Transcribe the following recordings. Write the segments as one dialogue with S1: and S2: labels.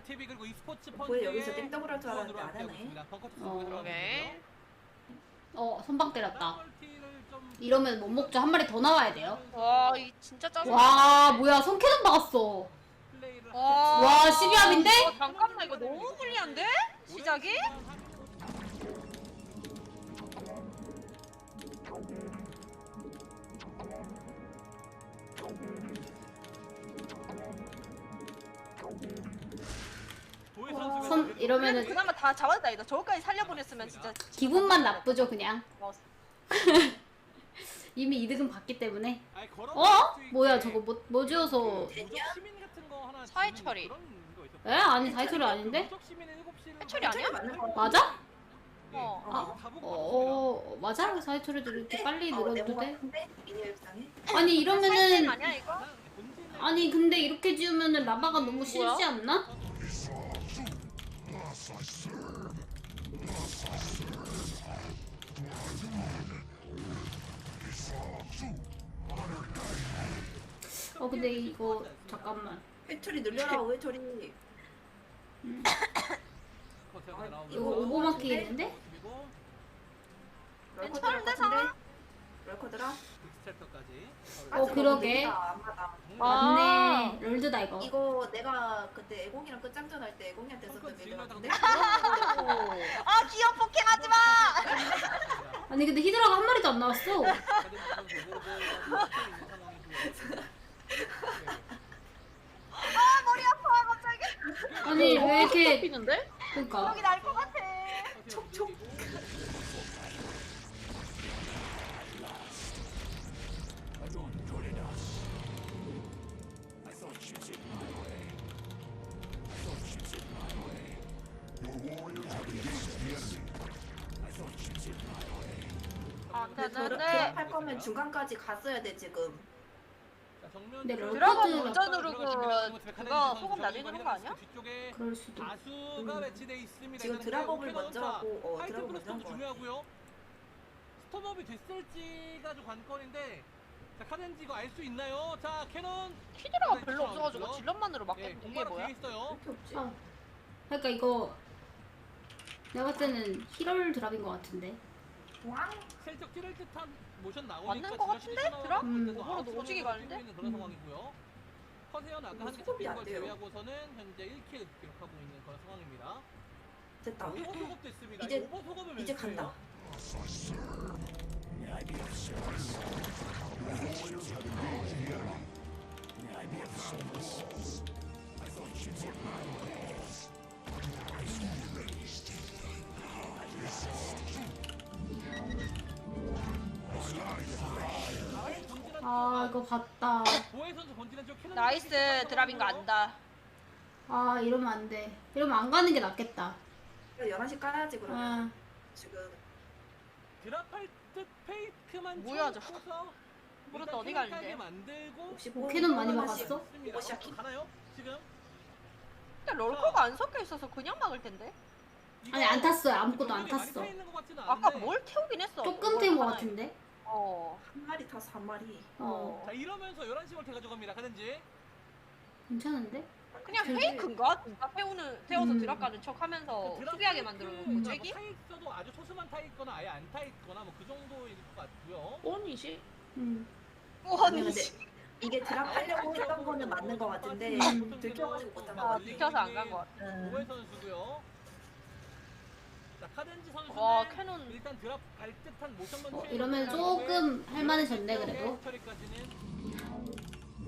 S1: TV 그리고 e스포츠
S2: 뭐야,
S1: 펀드의
S2: 여기서 땡더블 할 줄 알았는데
S1: 후원으로
S2: 안
S1: 함께하고
S2: 하네.
S1: 있습니다. 벙커 투수
S3: 어.
S1: 들어가고요.
S3: 선방 때렸다.
S1: 멀티를 좀
S3: 이러면 못 먹죠. 한 마리 더 나와야 돼요.
S4: 와, 이 진짜 짜증나.
S3: 와, 뭐야. 손캐논 박았어.
S1: 플레이를
S3: 와, 12합인데?
S4: 잠깐만, 이거 너무 불리한데? 시작이?
S1: 도희 선수가
S3: 이러면은
S4: 그나마 다 잡았다, 이거. 저거까지 살려보냈으면 진짜.
S3: 기분만 나쁘죠, 그냥.
S4: 어,
S3: 이미 이득은 봤기 때문에.
S1: 아니, 걸어
S3: 뭐야, 저거 뭐 지어서.
S1: 무적 시민 같은 거 하나
S4: 사회
S1: 짓는
S4: 처리.
S1: 그런 거 있었어요.
S3: 에? 아니, 사이토리 아닌데?
S1: 무적 시민의 7시를
S4: 해처리 아니야?
S2: 맞는 거
S3: 맞아? 맞아? 사이토리도 이렇게 빨리 늘어도 돼?
S2: 미니맵상에?
S3: 아니, 이러면은.
S4: 아니야, 이거?
S3: 아니, 근데 이렇게 지으면은 라바가 너무 싫지 않나? 근데 이거 잠깐만.
S2: 회초리 늘려라, 회초리.
S3: 이거 오버마키 있는데?
S4: 괜찮은데,
S2: 같은데?
S4: 상아?
S2: 럴커들아?
S1: 빅스텝터까지.
S3: 그러게.
S2: 안 받아.
S3: 맞네. 롤드다 이거.
S2: 이거 내가 그때 애공이랑 끝장전 할 때 애공이한테 썼던 빌드 같은데?
S4: 아, 기어 폭행 하지 마!
S3: 아니 근데 히드라가 한 마리도 안 나왔어.
S4: 아, 머리 아파, 갑자기.
S3: 아니 왜 이렇게
S4: 피는데?
S3: 그러니까
S4: 여기 날 것 같아.
S1: 촉촉.
S4: 안
S2: 근데
S4: 되는데.
S2: 할 거면 중간까지 갔어야 돼, 지금.
S3: 근데
S4: 드라곤
S3: 럴커드
S4: 먼저 누르고 그거 소금 나중에 누른 거 아니야?
S1: 뒤쪽에
S3: 그럴 수도.
S1: 다수가 배치돼 있습니다.
S2: 지금
S1: 일단은
S2: 드랍업을
S1: 오케이
S2: 먼저
S1: 넣자.
S2: 하고,
S1: 하이트
S2: 드랍업
S1: 플러스도
S2: 먼저 한 거
S1: 중요하고요. 스톱업이 됐을지가 좀 관건인데, 자 카덴지 이거 알 수 있나요? 자 캐논
S4: 키드라가 별로 없어가지고 질럿만으로 막겠는데 이게
S1: 공바로
S4: 뭐야?
S1: 돼 있어요.
S2: 이렇게 없지?
S3: 그러니까 이거 내가 봤을 때는 히럴 드랍인 것 같은데.
S2: 왕?
S1: 살짝 찌를 듯한 모션 나오니까
S4: 맞는 거 같은데? 드랍? 그거는 오지게 가는데?
S1: 있는 그런 상황이고요. 커세어는 아까 한개
S2: 수급이
S1: 잡힌
S2: 안
S1: 걸
S2: 돼요.
S1: 제외하고서는 현재 1킬 기록하고 있는 그런 상황입니다.
S2: 됐다.
S1: 오버 소급 됐습니다.
S2: 이제-
S1: 오버 소급을
S2: 이제
S1: 몇
S2: 간다.
S3: 이거 봤다.
S1: 보혜 선수 본진은 좀 캐논
S4: 나이스 드랍인 거 안다.
S3: 이러면 안 돼. 이러면 안 가는 게 낫겠다.
S2: 11시 까야지, 그러면.
S3: 아,
S2: 지금.
S1: 드랍할 듯 페이크만
S4: 뭐야, 저.
S1: 쳐서
S4: 그것도
S1: 일단
S4: 어디 가는데?
S1: 캐논 만들고
S2: 혹시
S3: 캐논 많이
S2: 하나씩
S3: 막았어?
S2: 이거 시작해?
S1: 가나요? 지금?
S4: 근데 럴커가 안 섞여 있어서 그냥 막을 텐데.
S3: 아니 안 탔어요. 아무것도 안
S1: 병력이 많이
S3: 탔어.
S1: 타 있는 것 같지는
S4: 아까
S1: 않은데.
S4: 뭘 태우긴 했어.
S3: 조금 된 것 같은데.
S2: 한 마리 타서 한 마리.
S1: 자 이러면서 11시 멀티 가져갑니다. 가든지.
S3: 괜찮은데?
S4: 그냥
S3: 근데-
S4: 페이크인가? 진짜 태워서
S3: 음.
S4: 드랍 가는 척 하면서 수비하게 만들어 놓고 쟤기?
S1: 타 있어도 아주 소수만 타 있거나 아예 안 타 있거나 뭐 그 정도일 것 같고요.
S4: 뻔이지.
S3: 음.
S4: 뻔이지.
S2: 이게 드랍하려고 했던 거는 맞는 거 같은데, 들켜가지고 못한 거 같아.
S4: 들켜서 안 간 것 같아.
S1: 보혜 선수고요. 자 카덴지 선수는
S4: 와, 캐논.
S1: 일단 드랍 갈 듯한 모션만
S3: 이러면 조금 할만해졌네 그래도.
S1: 처리까지는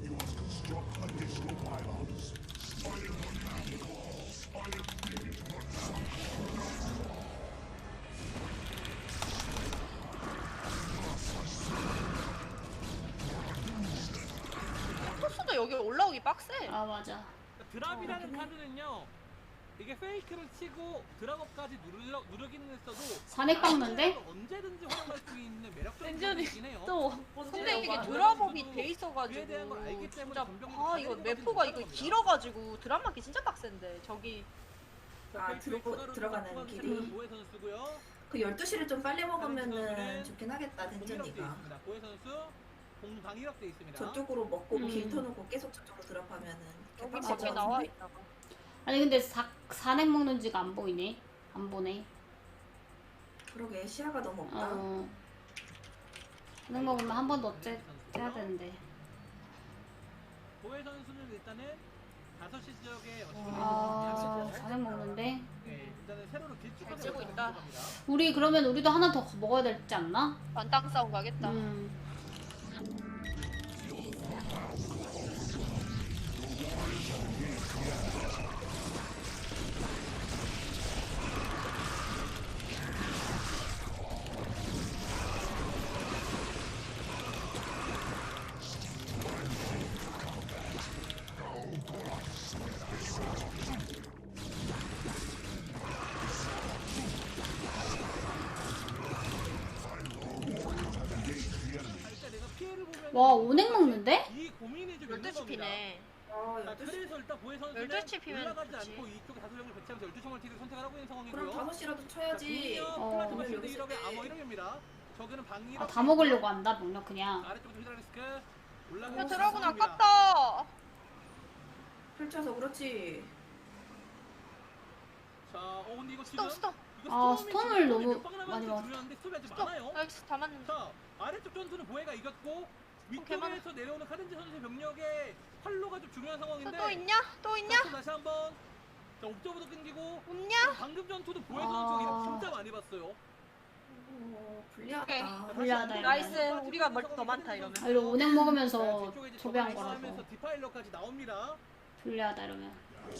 S4: 토스도 여기 올라오기 빡세.
S3: 맞아.
S1: 드랍이라는 카드는요. 이게 페이크를 치고 드랍업까지 누르기는 했어도
S3: 산액 박는데?
S1: 언제든지 활용할 수 있는 매력적인
S4: 완전히
S1: 카드이긴 해요.
S4: 근데 이게
S1: 어,
S4: 드랍업이
S1: 그에
S4: 돼 있어가지고
S1: 대한 걸 알기 때문에
S4: 진짜
S1: 전병이
S4: 이거
S1: 가지고
S4: 매포가 이거
S1: 가지고
S4: 길어가지고 드랍 맞기 진짜 빡센데 저기
S2: 들어가는 길이.
S1: 보혜 선수고요.
S2: 그 12시를 좀 빨리 먹으면은 좋긴 하겠다, 덴전이가.
S1: 보혜 선수 공방 이력돼 있습니다.
S2: 저쪽으로 먹고 길 터놓고 계속 저쪽으로 드랍하면은
S4: 여기
S2: 개빡칠
S4: 밖에
S2: 것
S4: 나와
S2: 같은데?
S4: 있다가
S3: 아니 근데 산행 먹는지가 안 보이네. 안 보네.
S2: 그러게 시야가 너무 없다.
S3: 산행 먹으면 한 번 더 째야 되는데.
S1: 보혜 선수는 일단은 5시 지역에
S3: 산행 먹는데.
S1: 네, 일단은 세로로
S4: 잘
S1: 길쭉하게
S4: 째고
S1: 먼저
S4: 있다.
S1: 들어갑니다.
S3: 우리 그러면 우리도 하나 더 먹어야 되지 않나?
S4: 반땅 싸움 가겠다.
S1: 일단 내가 피해를 보면
S3: 와, 오넥 먹는데?
S1: 이 고민이 좀 있는
S4: 12시
S1: 겁니다.
S4: 피네.
S1: 자, 그래서 일단 보혜 선수는
S4: 12시 피면
S1: 올라가지
S4: 좋지.
S1: 않고 이쪽에 다수령을 배치하면서 12시 멀티를 선택을 하고 있는 상황이고요.
S2: 그럼 5시라도 쳐야지.
S1: 플라즈마
S2: 오늘
S1: 쉴드
S2: 여기 있을
S1: 1억에
S2: 때.
S1: 암호 1억입니다. 저기는 방위력
S3: 다 먹으려고 한다, 병력 그냥.
S1: 아래쪽으로 히드라리스크 올라가고
S4: 야
S1: 있는
S4: 드라군
S1: 상황입니다.
S4: 아깝다.
S2: 펼쳐서 그렇지.
S1: 자, 근데 이거 지금
S4: 스톱.
S1: 이거
S3: 아,
S1: 스톰이
S3: 스톰을
S1: 지금
S3: 너무
S1: 몇방 남았는지
S3: 많이 먹었다.
S1: 중요한데 스톰이 아직
S4: 스톱.
S1: 많아요.
S4: 나이스 다 맞는데.
S1: 자, 아래쪽 전투는 보혜가 이겼고
S4: 개만-
S1: 위쪽에서 내려오는 카덴지 선수의 병력의 활로가 좀 중요한 상황인데
S4: 또 있냐? 또 있냐?
S1: 자, 다시 한번 자, 옵저버도 끊기고
S4: 없냐?
S1: 방금 전투도 보혜
S3: 아.
S1: 선수 이거 진짜 많이 봤어요.
S2: 불리하다.
S4: 오케이.
S3: 불리하다, 이러면.
S4: 나이스. 우리가 멀티 더 많다 이러면.
S3: 아, 이거 오넥 먹으면서
S1: 자, 뒤쪽에 이제
S3: 소비한
S1: 저거
S3: 거라서.
S1: 하면서 디파일러까지 나옵니다.
S3: 불리하다, 이러면.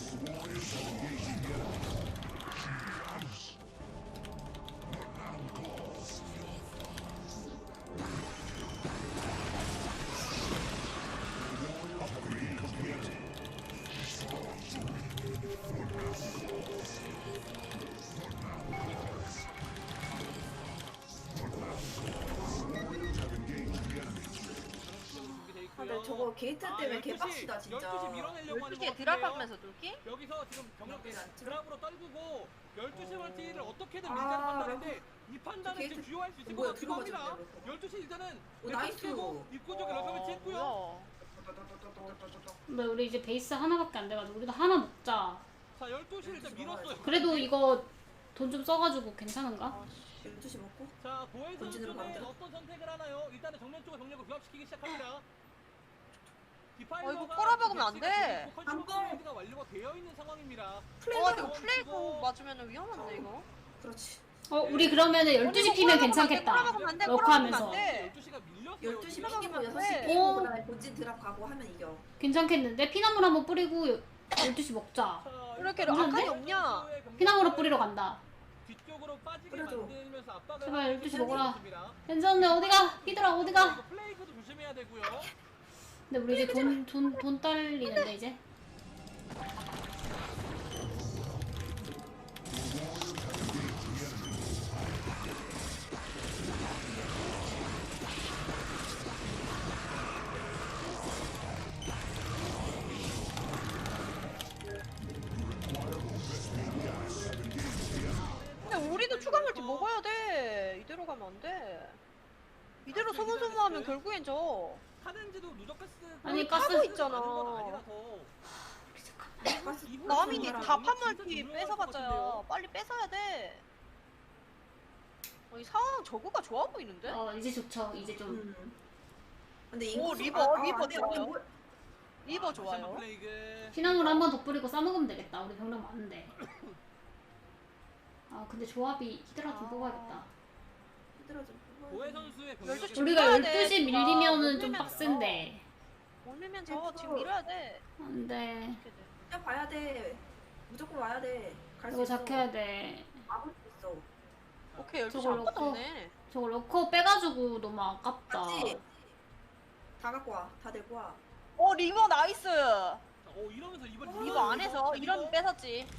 S1: 준비돼
S2: 아,
S1: 있고요.
S2: 근데 저거 게이트 때문에
S1: 12시,
S2: 개빡치다 진짜.
S1: 12시 밀어내려고 하는
S4: 12시에
S1: 것
S4: 드랍
S1: 같은데요.
S4: 하면서 뚫기?
S1: 여기서 지금 병력
S2: 나쁘지 않죠?
S1: 드랍으로 떨구고 12시 멀티를 어떻게든
S2: 아,
S1: 밀자는 판단인데 이 판단을
S2: 게이트-
S1: 지금 주요할 수 있을 것
S2: 뭐야,
S1: 같기도 합니다.
S2: 들어가졌네,
S1: 12시 일단은
S2: 오, 나이스.
S1: 깨고 입구 쪽에 러커 배치했고요.
S4: 뭐야.
S3: 근데 우리 이제 베이스 하나밖에 안 돼가지고 우리도 하나 먹자.
S1: 자 12시 일단 밀었어요.
S3: 그래도 이거 돈 좀 써가지고 괜찮은가?
S2: 12시 먹고.
S1: 자 보혜
S2: 본진으로
S1: 선수는
S2: 가면
S1: 어떤 선택을 하나요? 일단은 정면 쪽에 병력을 부합시키기 시작합니다.
S4: 이거 꼬라박으면 안 돼.
S2: 한 번.
S1: 가 완료가 되어 있는 상황입니다.
S2: 플레이가
S4: 이거 플레이고 맞으면 위험한데 이거.
S2: 그렇지.
S3: 우리 그러면은 12시 피면 괜찮겠다.
S4: 꼬라박으면 안 돼.
S3: 럭커
S4: 꼬라박으면
S3: 하면서.
S4: 안 돼.
S1: 12시가 밀렸어요.
S2: 12시
S1: 지금.
S2: 피기면
S4: 네.
S2: 6시
S3: 오.
S2: 피고 그다음에 본진 드랍 가고 하면 이겨.
S3: 괜찮겠는데? 피나물 한번 뿌리고 12시 먹자.
S1: 자,
S4: 이렇게
S1: 일단
S3: 아칸이
S1: 보혜
S4: 없냐?
S1: 선수의 병력을
S3: 피나물로 뿌리러 간다.
S1: 뒤쪽으로 빠지게
S2: 그래도.
S1: 만들면서 압박을
S3: 제발
S1: 하고
S3: 12시
S1: 있는
S3: 먹어라.
S1: 선수입니다.
S3: 괜찮네. 어디가? 피들아 어디가?
S1: 이거 플레이크도 조심해야 되고요.
S3: 근데 우리 이제 돈 딸리는데 이제.
S4: 근데 우리도 추가 멀티 먹어야 돼. 이대로 가면 안 돼. 이대로 소문소문하면 결국엔 져.
S1: 카덴지도 누적
S3: 아니,
S1: 가스
S3: 가스
S1: 많은
S4: 있잖아.
S1: 건 아니라서.
S4: 남인이
S1: 정말
S4: 다
S1: 진짜
S4: 판멀티
S1: 중요할 것
S4: 뺏어봤자야.
S1: 같은데요.
S4: 빨리 뺏어야 돼. 이 상황 저거가 좋아 보이는데?
S3: 이제 좋죠. 이제 좀.
S2: 근데
S4: 오,
S2: 인구수-
S4: 리버,
S2: 아,
S4: 리버
S2: 안 돼,
S4: 좋아요.
S2: 아니, 뭐-
S4: 리버
S1: 다시 한번
S4: 좋아요.
S1: 플레이그.
S3: 피나물 한번 더 뿌리고 싸먹으면 되겠다. 우리 병력 많은데. 근데 조합이 히드라 좀 뽑아야겠다.
S2: 힘들어 좀
S1: 보혜
S2: 뽑아야지.
S1: 선수의
S4: 12시
S1: 병력이
S3: 우리가
S4: 밀어야
S3: 12시
S4: 돼.
S3: 밀리면은
S4: 못
S3: 좀
S4: 밀면
S3: 빡센데.
S4: 못 밀면 져. 지금 밀어야 돼.
S3: 안 돼.
S4: 이렇게 돼.
S2: 그냥 봐야 돼. 무조건 와야 돼. 갈 수
S3: 이거
S2: 있어.
S3: 작해야 돼.
S2: 막을 수 있어.
S4: 오케이 12시
S3: 저걸
S4: 아무것도
S3: 넣고.
S4: 없네.
S3: 저거 러커 빼가지고 너무 아깝다.
S2: 맞지? 다 갖고 와. 다 데리고 와.
S4: 리버 나이스.
S1: 이러면서 이번
S4: 리버 안에서 이러면 뺏었지.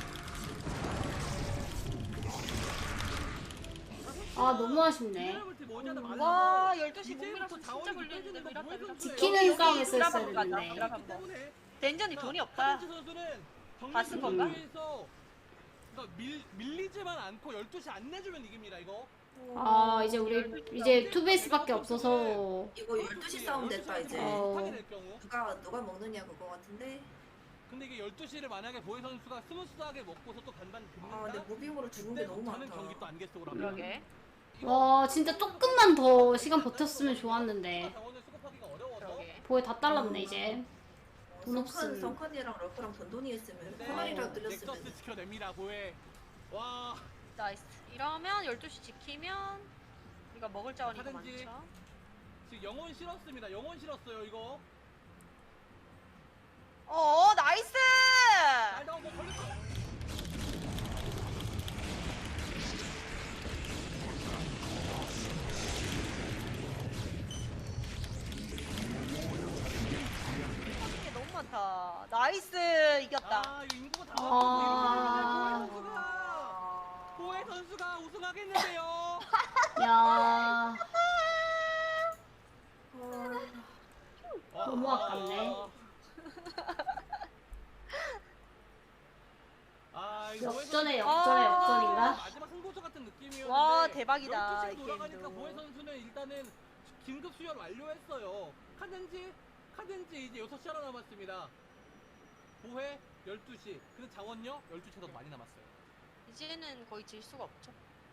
S3: 너무 아쉽네.
S1: 미네랄 멀티 머지않아 말라서
S4: 와 12시
S1: 이제부터
S4: 목미라서 진짜
S1: 자원이
S4: 걸리는데
S1: 빼지는 거
S4: 미라다
S1: 보혜
S4: 미라다.
S1: 선수예요.
S3: 지키는 싸움에
S4: 드라마
S3: 썼어야
S4: 가자,
S3: 되는데.
S4: 드라마.
S1: 그렇기 때문에
S4: 덴전이 돈이 없다.
S1: 카덴지 선수는
S4: 다 쓴 건가?
S1: 경기에서 그러니까 밀리지만 않고 12시 안 내주면 이깁니다 이거.
S3: 아 이제 우리 이제 투베이스밖에 없어서
S2: 이거 12시 싸움 됐다 이제.
S3: 어.
S1: 될 경우.
S2: 누가 먹느냐 그거 같은데.
S1: 근데 이게 12시를 만약에 보혜 선수가 스무스하게 먹고서 또 반반
S2: 아 근데
S1: 듭는다?
S2: 무빙으로 죽는 게 너무
S1: 저는
S2: 많다.
S1: 경기 또 안개 속으로 합니다.
S4: 그러게.
S3: 와 진짜 조금만 더 시간 버텼으면 좋았는데
S1: 자원을 수급하기가 어려워서
S4: 그러게.
S3: 보에 다 달랐네 이제. 돈 없음.
S2: 성컨이랑 러프랑 돈돈이 했으면
S1: 네,
S2: 코난이랑 뚫렸으면.
S1: 넥서스 지켜냅니다 보혜. 와
S4: 나이스. 이러면 12시 지키면 우리가 먹을 자원이 더
S1: 하든지.
S4: 많죠.
S1: 지금 영혼 실었습니다. 영혼 실었어요 이거.
S4: 나이스!
S1: 잘 나온 거 걸렸어.
S4: 이게 너무 많다. 나이스! 이겼다.
S1: 아 이거 인구가 다
S3: 아.
S1: 맞고 보혜 선수가 우승하겠는데요.
S3: 야
S2: 아,
S3: 너무 아깝네.
S1: 아, 이거
S3: 역전에
S1: 보혜
S3: 역전에
S4: 아.
S3: 역전인가?
S1: 마지막 승부조 같은 느낌이었는데
S4: 와, 대박이다,
S1: 12시로
S4: 이
S1: 돌아가니까
S4: 게임도.
S1: 보혜 선수는 일단은 긴급 수혈 완료했어요. 카덴지 이제 6시 하나 남았습니다. 보혜 12시. 근데 자원요? 12시가 더 많이 남았어요.
S4: 이제는 거의 질 수가 없죠.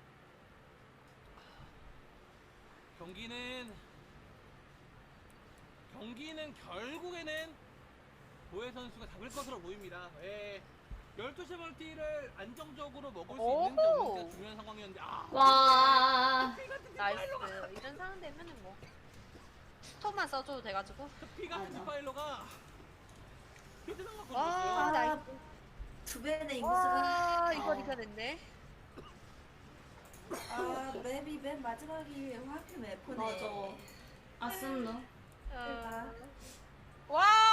S1: 경기는 결국에는 보혜 선수가 잡을 것으로 보입니다. 예. 12시 멀티를 안정적으로 먹을 수 있는지
S4: 오호.
S1: 없는지가 중요한 상황이었는데
S3: 와
S4: 나이스. 이런 상황 되면은 뭐 스톱만 써줘도 돼가지고.
S1: 피 같은
S3: 맞아.
S1: 디파일러가 피드랑 갖고
S4: 와,
S1: 있어요.
S4: 나이스.
S2: 두 배의 인구수가.
S4: 와, 이걸
S3: 어.
S4: 이겨냈네.
S2: 아 맵이 맨 마지막이 하필 맵포네.
S3: 맞아. 아슴노.
S4: 와,